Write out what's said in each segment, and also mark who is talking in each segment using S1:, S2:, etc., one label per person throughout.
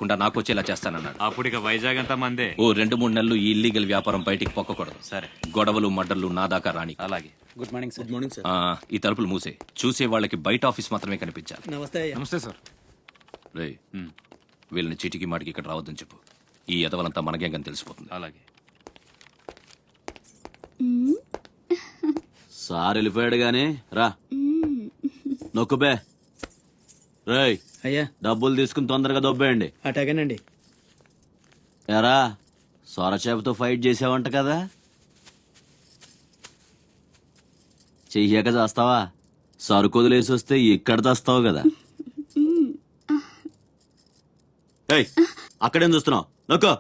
S1: కాకుండా నాకు వచ్చేలా చేస్తానన్నాడు.
S2: అప్పుడు ఇక వైజాగ్ అంతా మందే.
S1: ఓ 2-3 నెలలు ఈ ఇల్లీగల్ వ్యాపారం బయటికి పొక్కకూడదు.
S2: సరే,
S1: గొడవలు మడ్డర్లు నా దాకా రాని.
S2: అలాగే.
S3: Good morning sir. Good morning sir.
S1: ఈ తలుపులు మూసే. చూసే వాళ్ళకి బయట ఆఫీస్ మాత్రమే కనిపించాలి.
S3: నమస్తే.
S2: నమస్తే సార్.
S1: రే, వీళ్ళని చీటికి మాటికి ఇక్కడ రావద్దని చెప్పు. ఈ ఎదవలంతా మనకేం తెలిసిపోతుంది.
S2: అలాగే.
S4: సార్ వెళ్ళిపోయాడు గాని రా నొక్కుబే. రేయ్
S3: అయ్యా
S4: డబ్బులు తీసుకుని తొందరగా దొబ్బేయండి.
S3: అటాగేనండి.
S4: ఎరా సొరచేపతో ఫైట్ చేసావంట కదా, చెయ్యాక చేస్తావా? సరుకొదిలేసి వస్తే ఇక్కడ చేస్తావు కదా. ఏయ్ అక్కడేం చూస్తున్నావు? నొక్కో.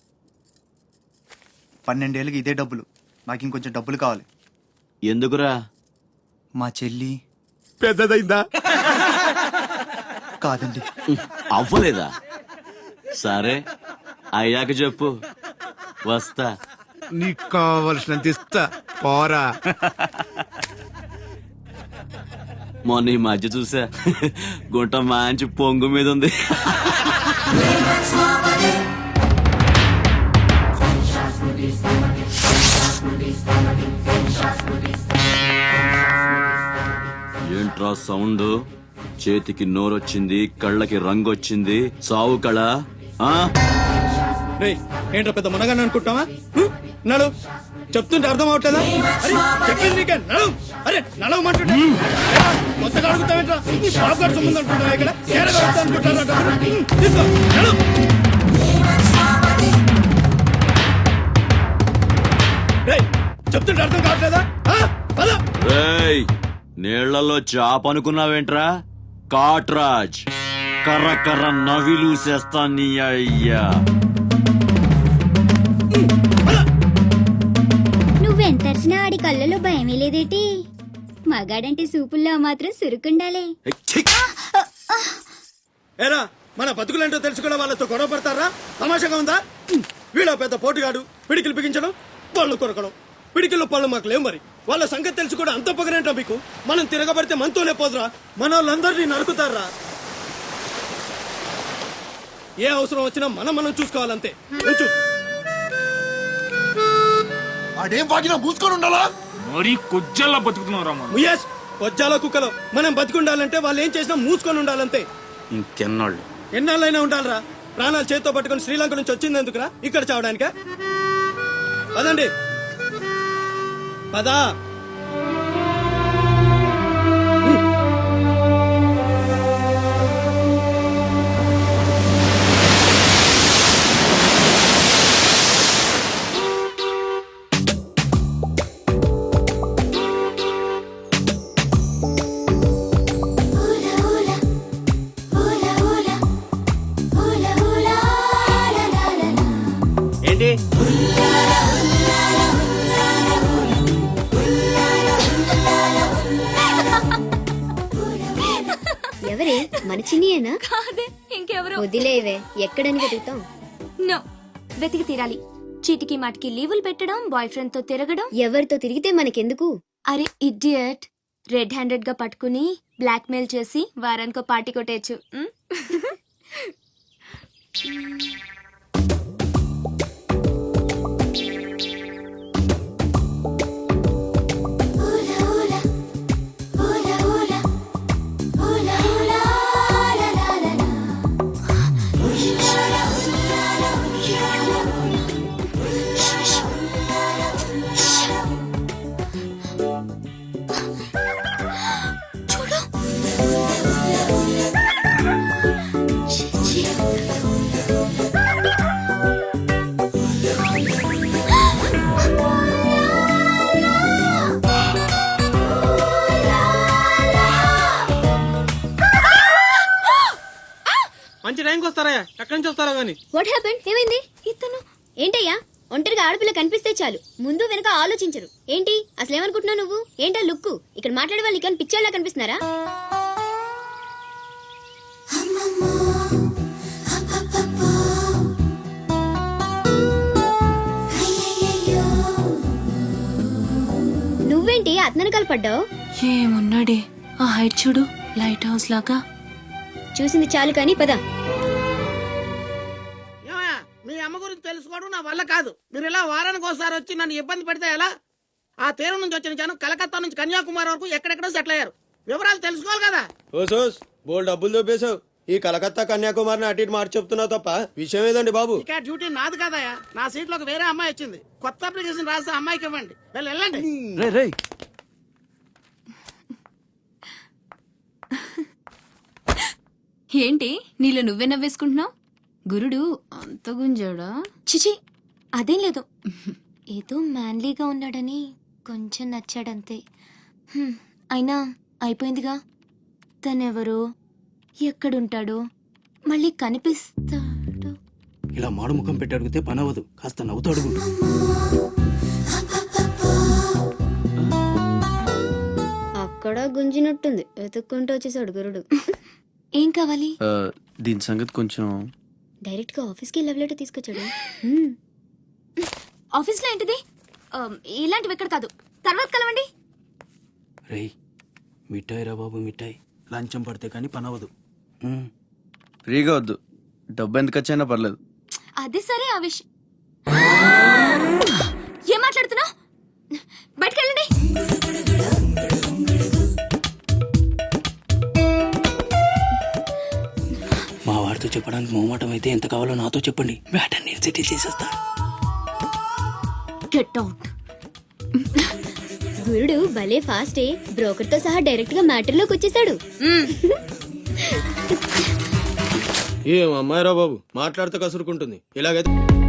S5: 12 ఏళ్ళకి ఇదే డబ్బులు. నాకు ఇంకొంచెం డబ్బులు కావాలి.
S4: ఎందుకురా?
S5: మా చెల్లి
S4: పెద్దదైందా?
S5: కాదండి.
S4: అవ్వలేదా? సరే అయ్యాక చెప్పు, వస్తా.
S6: నీకు కావలసినంత ఇస్తా, పోరా.
S4: మొన్న ఈ మధ్య చూసా, గుంట మంచి పొంగు మీద ఉంది. ఏంట్రా సౌండ్? చేతికి నోరొచ్చింది, కళ్ళకి రంగు వచ్చింది, చావు కళ.
S3: ఏంట్రా పెద్ద మునగాన్ని అనుకుంటావా? నడు, చెప్తుంటే అర్థం అవట్లేదా? చెప్పింది నీకే నడు. అరే నడవమంటుంటే కొత్తగా అడుగుతావేంట్రా? నీ బాబు గారు సంబంధం అనుకుంటావా? ఇక్కడ అనుకుంటారా? తీసుకో నడు. చెప్తుంటే అర్థం కావట్లేదా?
S4: రేయ్ నీళ్లలో చాప అనుకున్నావేంట్రా? కాట్రాజ్ కర్ర కర్ర నవిలూసేస్తా నీ అయ్యా.
S7: నువ్వెంతర్చినా ఆడి కళ్ళలో భయమే లేదేటి? మగాడంటే సూపుల్లో మాత్రం సురుకుండాలే.
S3: ఏరా మన బతుకులేంటో తెలుసు కూడా వాళ్ళతో గొడవ పడతారా? తమాషాగా ఉందా? వీళ్ళ పెద్ద పోటుగాడు, పిడికిలు బిగించడం, పళ్ళు కొరకడం. పిడికిల్లో పళ్ళు మాకు లేవు. మరి వాళ్ళ సంగతి తెలుసు కూడా అంత పొగరేంటో మీకు? మనం తిరగబడితే మనతోనే పోదురా, మన వాళ్ళందరినీ నరుకుతారా? ఏ అవసరం వచ్చినా మనం చూసుకోవాలంతే.
S6: అదేం బాగినా మూసుకొని ఉండాలా?
S2: మరీ కొజ్జల్లా బతుకుతున్నారా?
S3: ముయేష్ వజ్జాల కుక్కలో మనం బతుకుండాలంటే వాళ్ళు ఏం చేసినా మూసుకొని ఉండాలంతే.
S4: ఇంకెన్నాళ్ళు?
S3: ఎన్నాళ్ళైనా ఉండాలరా. ప్రాణాలు చేత్తో పట్టుకుని శ్రీలంక నుంచి వచ్చింది ఎందుకురా? ఇక్కడ చావడానికా? పదండి పదా. ఏంటి
S7: ఎవరే? మన చిన్నియేనా?
S8: కాదే, ఇంకెవరో.
S7: వదిలేవే, ఎక్కడని వెతుకుతాం?
S8: నో, వెతికి తీరాలి. చీటికి మాటికి లీవులు పెట్టడం, బాయ్ ఫ్రెండ్ తో తిరగడం.
S7: ఎవరితో తిరిగితే మనకెందుకు?
S8: అరే ఇడియట్, రెడ్ హ్యాండెడ్ గా పట్టుకుని బ్లాక్ మెయిల్ చేసి వారానికో పార్టీ కొట్టేయచ్చు.
S3: మంచి టైంకి వస్తారా? ఎక్కడి నుంచి వస్తారా గానీ?
S7: What happened? ఏమైంది?
S8: ఇతను
S7: ఏంటయ్యా, ఒంటరిగా ఆడపిల్ల కనిపిస్తే చాలు ముందు వెనక ఆలోచించరు ఏంటి? అసలు ఏమనుకుంటున్నావు నువ్వు? ఏంటా లుక్కు? ఇక్కడ మాట్లాడే వాళ్ళు కానీ పిచ్చోళ్ళ కనిపిస్తున్నారా? నువ్వేంటి అతనకాలు పడ్డావు?
S8: ఏమున్నాడే ఆ హైట్ చూడు, లైట్ హౌస్ లాగా.
S7: చూసింది చాలు కానీ పద.
S9: అమ్మ గురించి తెలుసుకోవడం నా వల్ల కాదు. మీరు ఇలా వారానికి ఒకసారి వచ్చి నన్ను ఇబ్బంది పెడితే ఎలా? ఆ తీరం నుంచి వచ్చిన జనం కలకత్తా నుంచి కన్యాకుమారి వరకు ఎక్కడెక్కడో సెటిల్ అయ్యారు. వివరాలు తెలుసుకోవాలి కదా.
S3: ఓసోస్ బోల్ డబ్బులు దొబ్బేశావు. ఈ కలకత్తా కన్యాకుమారిని అటు ఇటు మార్చి చెప్తున్నావు తప్ప విషయం ఏదండి బాబు?
S9: ఇక డ్యూటీ నాది కదయా. నా సీట్ లోకి వేరే అమ్మాయి వచ్చింది. కొత్త అప్లికేషన్ రాస్తే అమ్మాయికి ఇవ్వండి. వెళ్ళండి.
S4: రే రే
S8: ఏంటి నీలో నువ్వే నవ్వేసుకుంటున్నావు? గురుడు అంత గుంజాడా? చిచి అదేం లేదు, ఏదో మ్యాన్లీగా ఉన్నాడని కొంచెం నచ్చాడంతే. అయినా అయిపోయిందిగా. తనెవరో, ఎక్కడుంటాడో, మళ్ళీ కనిపిస్తాడు.
S10: ఇలా మాడు ముఖం పెట్టి అడిగితే పని అవ్వదు. కాస్త నవ్వుతూ అడుగు.
S7: అక్కడ గుంజినట్టుంది, వెతుక్కుంటూ వచ్చేసాడు గురుడు.
S8: ఏం కావాలి?
S4: దీని సంగతి కొంచెం.
S7: డైరెక్ట్ గా ఆఫీస్ కి లవ్ లెటర్ తీసుకొచ్చాడు.
S8: ఆఫీస్లో ఏంటిది? ఇలాంటివి ఎక్కడ కాదు, తర్వాత కలవండి.
S10: రేయ్ మిఠాయి రా బాబు, మిఠాయి. లంచం పడితే కానీ పని అవ్వదు.
S4: ఫ్రీగా వద్దు, డబ్బు ఎంత ఖర్చైనా పర్లేదు.
S8: అది సరే, ఆ విషయం ఏం మాట్లాడుతున్నావు? బయటకు వెళ్ళండి.
S10: మా వాడితో చెప్పడానికి మొహమాటం అయితే ఎంత కావాలో నాతో చెప్పండి. వేటని నేను సెటిల్ చేసేస్తా.
S8: Get out.
S7: గురుడు భలే ఫాస్టే, బ్రోకర్ తో సహా డైరెక్ట్ గా మ్యాటర్ లోకి వచ్చేసాడు.
S3: ఏం అమ్మాయిరా బాబు, మాట్లాడితే కసురుకుంటుంది. ఇలాగైతే